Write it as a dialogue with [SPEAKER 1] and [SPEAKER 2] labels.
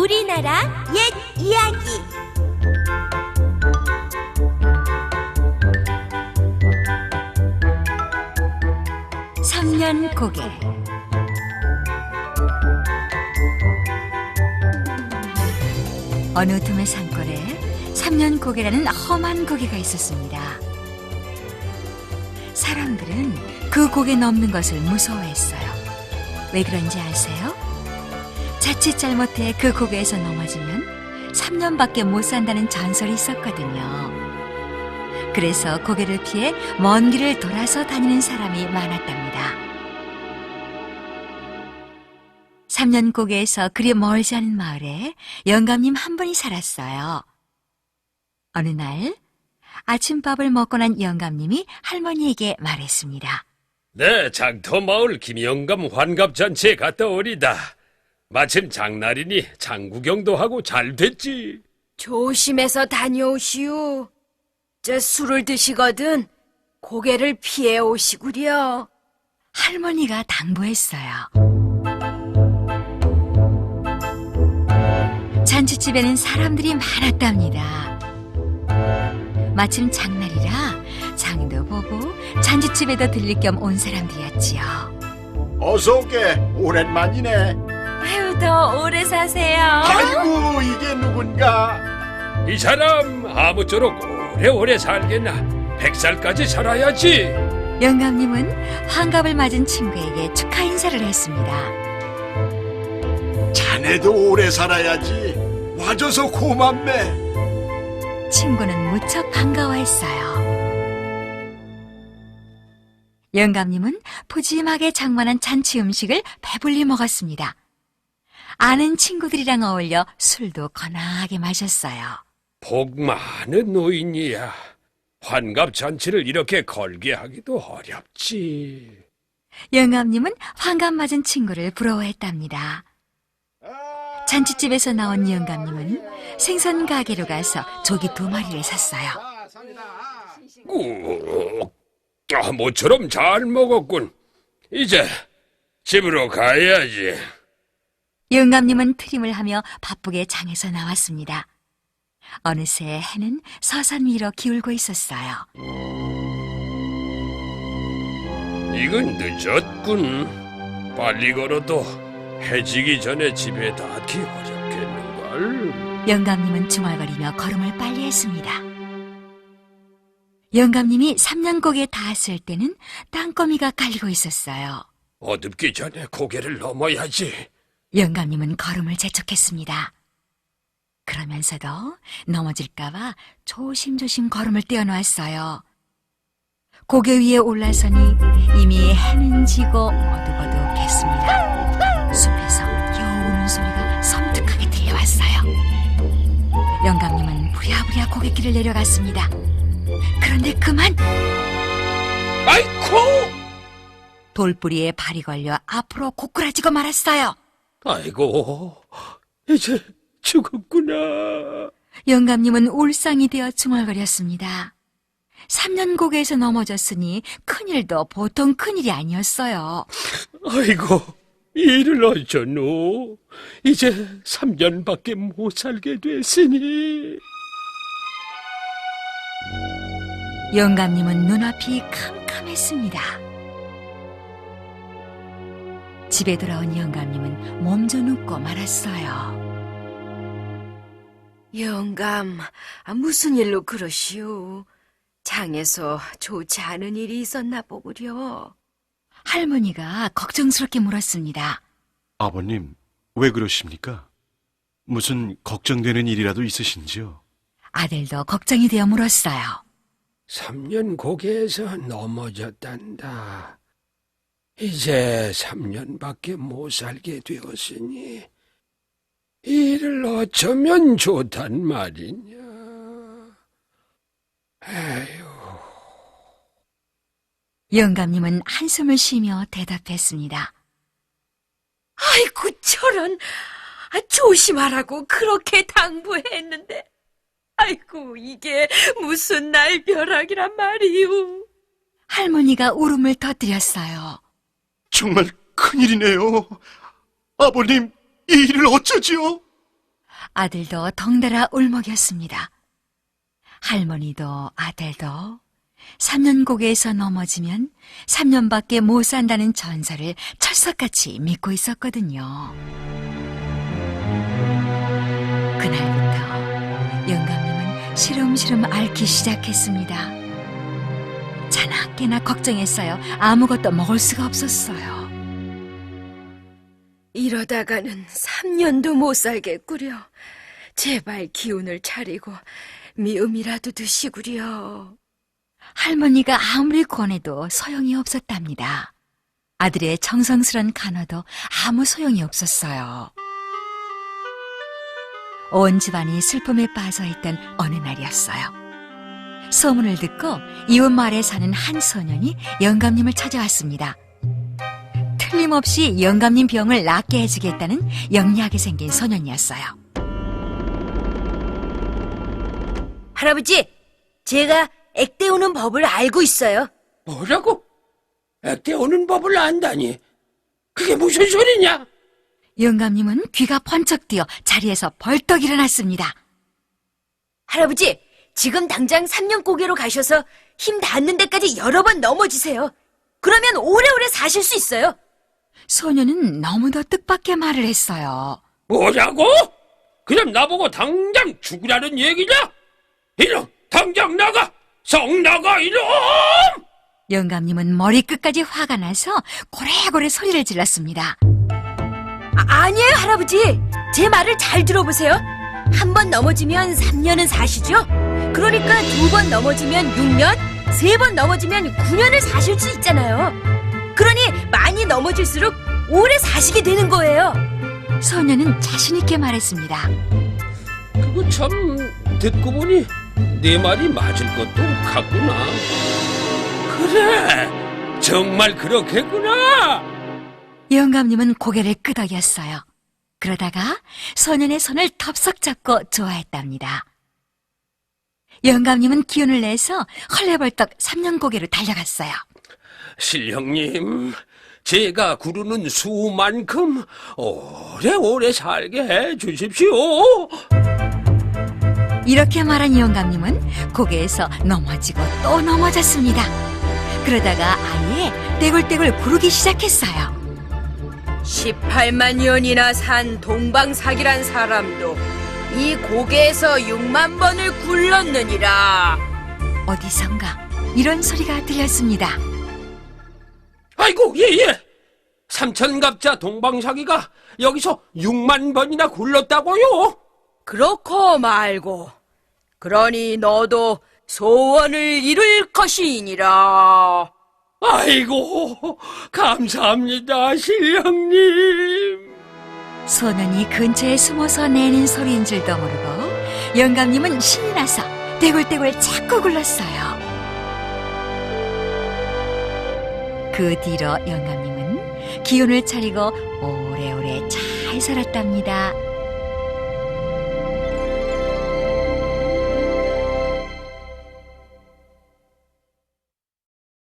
[SPEAKER 1] 우리나라 옛 이야기. 삼년고개. 어느 틈의 산골에 삼년고개라는 험한 고개가 있었습니다. 사람들은 그 고개 넘는 것을 무서워했어요. 왜 그런지 아세요? 자칫 잘못해 그 고개에서 넘어지면 3년밖에 못 산다는 전설이 있었거든요. 그래서 고개를 피해 먼 길을 돌아서 다니는 사람이 많았답니다. 3년고개에서 그리 멀지 않은 마을에 영감님 한 분이 살았어요. 어느 날 아침밥을 먹고 난 영감님이 할머니에게 말했습니다.
[SPEAKER 2] 네, 장터마을 김영감 환갑잔치에 갔다 오리다. 마침 장날이니 장구경도 하고 잘 됐지.
[SPEAKER 3] 조심해서 다녀오시오. 저 술을 드시거든 고개를 피해 오시구려.
[SPEAKER 1] 할머니가 당부했어요. 잔치집에는 사람들이 많았답니다. 마침 장날이라 장도 보고 잔치집에도 들릴 겸 온 사람들이었지요.
[SPEAKER 4] 어서 오게. 오랜만이네.
[SPEAKER 3] 아유, 더 오래 사세요.
[SPEAKER 4] 아이고, 이게 누군가?
[SPEAKER 2] 이 사람 아무쪼록 오래오래 살겠나. 100살까지 살아야지.
[SPEAKER 1] 영감님은 환갑을 맞은 친구에게 축하 인사를 했습니다.
[SPEAKER 4] 자네도 오래 살아야지. 와줘서 고맙네.
[SPEAKER 1] 친구는 무척 반가워했어요. 영감님은 푸짐하게 장만한 잔치 음식을 배불리 먹었습니다. 아는 친구들이랑 어울려 술도 거나하게 마셨어요.
[SPEAKER 2] 복 많은 노인이야. 환갑잔치를 이렇게 걸게 하기도 어렵지.
[SPEAKER 1] 영감님은 환갑 맞은 친구를 부러워했답니다. 잔치집에서 나온 영감님은 생선 가게로 가서 조기 2마리를 샀어요.
[SPEAKER 2] 모처럼 잘 먹었군. 이제 집으로 가야지.
[SPEAKER 1] 영감님은 트림을 하며 바쁘게 장에서 나왔습니다. 어느새 해는 서산 위로 기울고 있었어요.
[SPEAKER 2] 이건 늦었군. 빨리 걸어도 해지기 전에 집에 닿기 어렵겠는걸.
[SPEAKER 1] 영감님은 중얼거리며 걸음을 빨리 했습니다. 영감님이 3년고개에 닿았을 때는 땅거미가 깔리고 있었어요.
[SPEAKER 2] 어둡기 전에 고개를 넘어야지.
[SPEAKER 1] 영감님은 걸음을 재촉했습니다. 그러면서도 넘어질까봐 조심조심 걸음을 떼어놓았어요. 고개 위에 올라서니 이미 해는 지고 어둑어둑했습니다. 숲에서 겨우 우는 소리가 섬뜩하게 들려왔어요. 영감님은 부랴부랴 고갯길을 내려갔습니다. 그런데 그만!
[SPEAKER 2] 아이쿠!
[SPEAKER 1] 돌뿌리에 발이 걸려 앞으로 고꾸라지고 말았어요.
[SPEAKER 2] 아이고, 이제 죽었구나.
[SPEAKER 1] 영감님은 울상이 되어 중얼거렸습니다. 3년고개에서 넘어졌으니 큰일도 보통 큰일이 아니었어요.
[SPEAKER 2] 아이고, 일을 어쩌노. 이제 3년밖에 못 살게 됐으니.
[SPEAKER 1] 영감님은 눈앞이 캄캄했습니다. 집에 돌아온 영감님은 몸져 눕고 말았어요.
[SPEAKER 3] 영감, 무슨 일로 그러시오? 장에서 좋지 않은 일이 있었나 보구려.
[SPEAKER 1] 할머니가 걱정스럽게 물었습니다.
[SPEAKER 5] 아버님, 왜 그러십니까? 무슨 걱정되는 일이라도 있으신지요?
[SPEAKER 1] 아들도 걱정이 되어 물었어요.
[SPEAKER 2] 3년 고개에서 넘어졌단다. 이제 3년밖에 못 살게 되었으니 일을 어쩌면 좋단 말이냐. 에휴.
[SPEAKER 1] 영감님은 한숨을 쉬며 대답했습니다.
[SPEAKER 3] 아이고, 저런. 조심하라고 그렇게 당부했는데. 아이고, 이게 무슨 날벼락이란 말이오.
[SPEAKER 1] 할머니가 울음을 터뜨렸어요.
[SPEAKER 5] 정말 큰일이네요. 아버님, 이 일을 어쩌지요?
[SPEAKER 1] 아들도 덩달아 울먹였습니다. 할머니도 아들도 3년 고개에서 넘어지면 3년밖에 못 산다는 전설을 철석같이 믿고 있었거든요. 그날부터 영감님은 시름시름 앓기 시작했습니다. 자나깨나 걱정했어요. 아무것도 먹을 수가 없었어요.
[SPEAKER 3] 이러다가는 3년도 못 살겠구려. 제발 기운을 차리고 미음이라도 드시구려.
[SPEAKER 1] 할머니가 아무리 권해도 소용이 없었답니다. 아들의 정성스런 간호도 아무 소용이 없었어요. 온 집안이 슬픔에 빠져있던 어느 날이었어요. 소문을 듣고 이웃 마을에 사는 한 소년이 영감님을 찾아왔습니다. 틀림없이 영감님 병을 낫게 해주겠다는 영리하게 생긴 소년이었어요.
[SPEAKER 3] 할아버지, 제가 액대 오는 법을 알고 있어요.
[SPEAKER 2] 뭐라고? 액대 오는 법을 안다니? 그게 무슨 소리냐?
[SPEAKER 1] 영감님은 귀가 번쩍 뛰어 자리에서 벌떡 일어났습니다.
[SPEAKER 3] 할아버지, 지금 당장 3년 고개로 가셔서 힘 닿는 데까지 여러 번 넘어지세요. 그러면 오래오래 사실 수 있어요.
[SPEAKER 1] 소년은 너무도 뜻밖의 말을 했어요.
[SPEAKER 2] 뭐라고? 그럼 나보고 당장 죽으라는 얘기냐? 이놈, 당장 나가! 성 나가, 이놈!
[SPEAKER 1] 영감님은 머리끝까지 화가 나서 고래고래 소리를 질렀습니다.
[SPEAKER 3] 아니에요, 할아버지. 제 말을 잘 들어보세요. 한 번 넘어지면 3년은 사시죠? 그러니까 2번 넘어지면 6년, 3번 넘어지면 9년을 사실 수 있잖아요. 그러니 많이 넘어질수록 오래 사시게 되는 거예요.
[SPEAKER 1] 소년은 자신있게 말했습니다.
[SPEAKER 2] 그거 참 듣고 보니 내 말이 맞을 것도 같구나. 그래, 정말 그렇겠구나.
[SPEAKER 1] 영감님은 고개를 끄덕였어요. 그러다가 소년의 손을 덥석 잡고 좋아했답니다. 영감님은 기운을 내서 헐레벌떡 3년 고개로 달려갔어요.
[SPEAKER 2] 신령님, 제가 구르는 수만큼 오래오래 살게 해주십시오.
[SPEAKER 1] 이렇게 말한 영감님은 고개에서 넘어지고 또 넘어졌습니다. 그러다가 아예 떼굴떼굴 구르기 시작했어요.
[SPEAKER 3] 18만 년이나 산 동방사기란 사람도 이 고개에서 6만 번을 굴렀느니라.
[SPEAKER 1] 어디선가 이런 소리가 들렸습니다.
[SPEAKER 2] 아이고, 예. 삼천갑자 동방사기가 여기서 6만 번이나 굴렀다고요?
[SPEAKER 3] 그렇고 말고 그러니 너도 소원을 이룰 것이니라.
[SPEAKER 2] 아이고, 감사합니다, 신령님.
[SPEAKER 1] 소년이 근처에 숨어서 내는 소리인 줄도 모르고 영감님은 신이 나서 떼굴떼굴 자꾸 굴렀어요. 그 뒤로 영감님은 기운을 차리고 오래오래 잘 살았답니다.